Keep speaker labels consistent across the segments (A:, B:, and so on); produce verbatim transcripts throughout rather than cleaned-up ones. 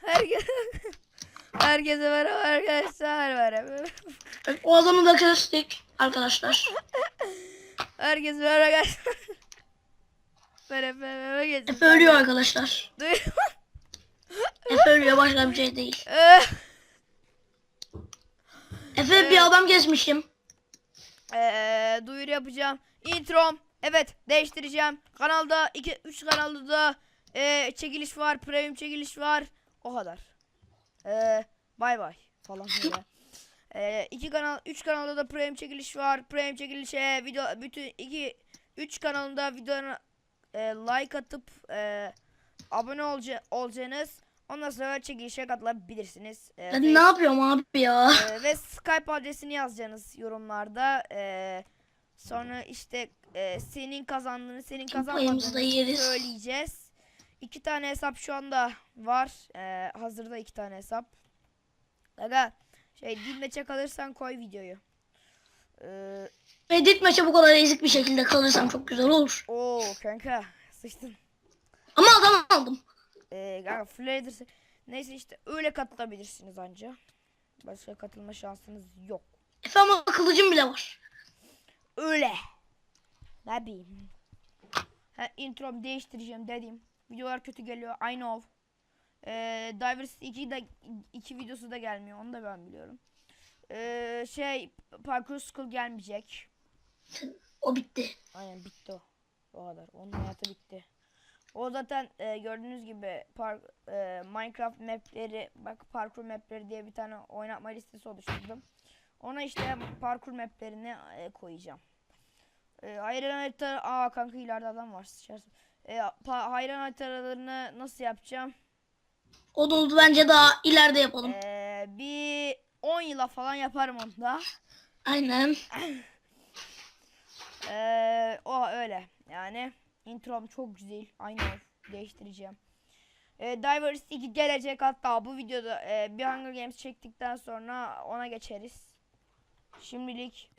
A: Herkes Herkese merhaba arkadaşlar. Merhaba.
B: O adamı da kestik arkadaşlar.
A: Herkese merhaba arkadaşlar. Merhaba merhaba geçin.
B: Efe ölüyor arkadaşlar. Efe ölüyor, başka bir şey değil. Efe bir adam kesmişim.
A: Eee duyuru yapacağım. Introm. Evet değiştireceğim. Kanalda iki üç kanalda da e, çekiliş var. Premium çekiliş var. O kadar. Eee bay bay falan böyle. Eee iki kanal üç kanalda da premium çekiliş var. Premium çekilişe video bütün iki üç kanalında videona e, like atıp e, abone olca, olacaksınız. Ondan sonra çekilişe katılabilirsiniz. E,
B: Ben ne yapıyorum abi ya?
A: e, ve Skype adresini yazacaksınız yorumlarda. E, sonra işte e, senin kazandığını, senin
B: Payımızı da
A: kazanmadığını
B: yeriz.
A: söyleyeceğiz. İki tane hesap şu anda var. E, hazırda iki tane hesap. Aga şey dinleçe kalırsan koy videoyu. Ee,
B: Edit maça bu kadar ezik bir şekilde kalırsam çok güzel olur.
A: Oo kanka sıçtın.
B: Ama adam aldım.
A: Ee, kanka Flader'sı. Neyse işte öyle katılabilirsiniz anca. Başka katılma şansınız yok.
B: Efe ama kılıcım bile var.
A: Öyle. Ne bileyim. Ha, introm değiştireceğim dedim. Videolar kötü geliyor. I know. Ee, Divers iki de iki videosu da gelmiyor. Onu da ben biliyorum. Ee, şey Parkour School gelmeyecek.
B: O bitti.
A: Aynen bitti o. O kadar. Onun hayatı bitti. O zaten e, gördüğünüz gibi park, e, Minecraft mapleri, bak parkur mapleri diye bir tane oynatma listesi oluşturdum. Ona işte parkur maplerini e, koyacağım. E, hayran harita, aa kanka ileride adam var. E, hayran haritalarını nasıl yapacağım?
B: O da oldu, bence daha ileride yapalım.
A: E, bir on yıla falan yaparım onu da.
B: Aynen.
A: e, o öyle yani. Introm çok güzel. Aynı değiştireceğim. E, Divers iki gelecek, hatta bu videoda e, bir Hunger Games çektikten sonra ona geçeriz. Şimdilik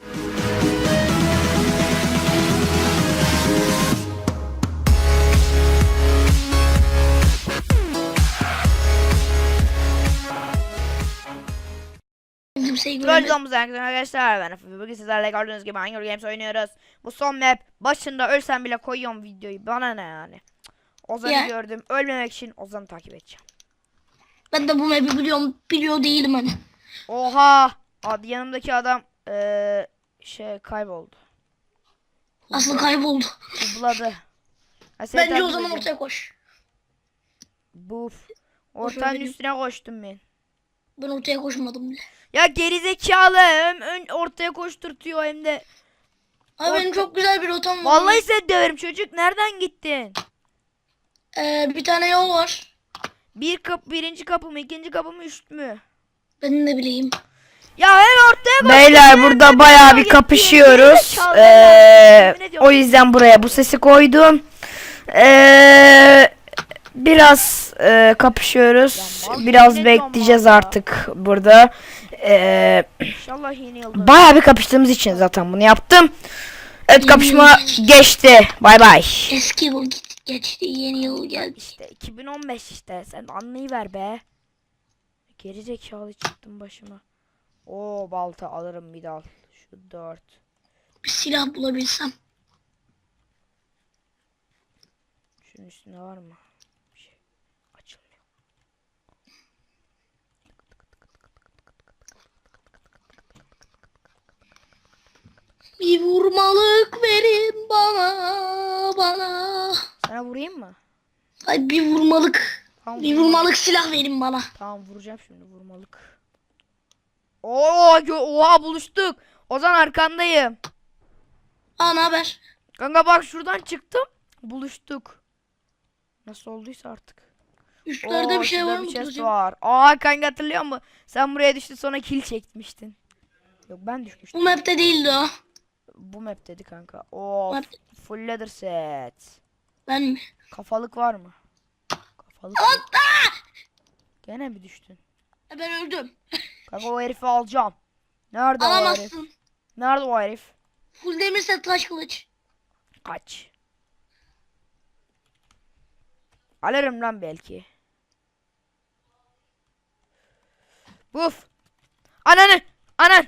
B: Kimseyi göremedim.
A: Gördüğümüz arkadaşlar, ben Efe. Bugün sizlerle gördüğünüz gibi Hunger Games oynuyoruz. Bu son map, başında ölsem bile koyuyorum videoyu, bana ne yani. Ozan'ı
B: Ya.
A: gördüm, ölmemek için Ozan'ı takip edeceğim.
B: Ben de bu map'i biliyorum, biliyor değilim hani.
A: Oha, abi yanımdaki adam ee, şey kayboldu.
B: Aslı kayboldu.
A: Hubladı. Ha, seni
B: Bence
A: takip
B: o zaman
A: edeceğim.
B: ortaya koş.
A: Buf. Ortanın
B: benim.
A: üstüne koştum ben.
B: Ben ortaya koşmadım bile.
A: Ya gerizekalı, hem ön ortaya koşturtuyor hem de.
B: Abi
A: Orta...
B: benim çok güzel bir rotam var.
A: Vallahi seni döverim çocuk, nereden gittin?
B: Ee, bir tane yol var.
A: Bir kapı, birinci kapı mı, ikinci kapı mı, üst mü?
B: Ben de bileyim.
A: Ya hem ortaya koştum.
C: Beyler burada bayağı bir kapışıyoruz. Ee, o yüzden buraya bu sesi koydum. Ee, biraz e, kapışıyoruz. Biraz bekleyeceğiz artık burada. Ee,
A: İnşallah yeni yılda.
C: bayağı bir kapıştığımız için zaten bunu yaptım. Evet, kapışma geçti. Bay bay.
B: Eski yıl git- geçti, yeni yıl geldi.
A: İşte iki bin on beş işte, sen anlayıver be. Gerizekalı çıktım başıma. Oo, balta alırım bir dal. Şu dört.
B: Bir silah bulabilsem.
A: Şunun üstünde var mı? Bir şey açılmıyor.
B: Bir vurmalık verin bana, bana.
A: Sana vurayım mı?
B: Ay bir vurmalık.
A: Tamam,
B: Bir vurmalık silah verin bana.
A: Tamam, vuracağım şimdi, vurmalık. Oo, oha, buluştuk. Ozan arkandayım.
B: Aa, ne haber?
A: Kanka bak, şuradan çıktım. Buluştuk. Nasıl olduysa artık.
B: Üstlerde
A: Oo,
B: bir şey
A: şurada
B: var mı?
A: bir chest
B: Kılıcım?
A: var. Aa kanka, hatırlıyor musun? Sen buraya düştün, sonra kill çekmiştin. Yok, ben düşmüştüm.
B: Bu map'te değildi o.
A: Bu map dedi kanka. Oo,
B: Map.
A: full leather set.
B: Ben mi?
A: Kafalık var mı? Kafalık.
B: Hatta!
A: Gene mi düştün?
B: Ben öldüm.
A: Kanka o herifi alacağım. Nerede o herif?
B: Alamazsın.
A: Nerede o herif?
B: Full demir set taş kılıç.
A: Kaç. Alırım lan belki. Buf. Ananı. Anan.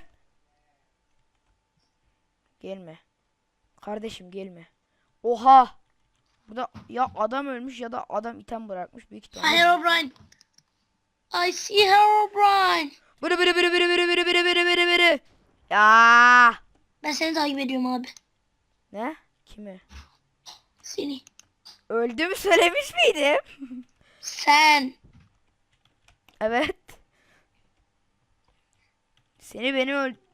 A: Gelme. Kardeşim gelme. Oha. Burada ya adam ölmüş ya da adam item bırakmış büyük ihtimalle.
B: Herobrine. I see Herobrine.
A: Bırı bırı bırı bırı bırı bırı bırı bırı bırı bırı. Ya.
B: Ben seni takip ediyorum abi.
A: Ne? Kimi?
B: Seni.
A: Öldüğümü söylemiş miydim?
B: Sen.
A: Evet. Seni beni öl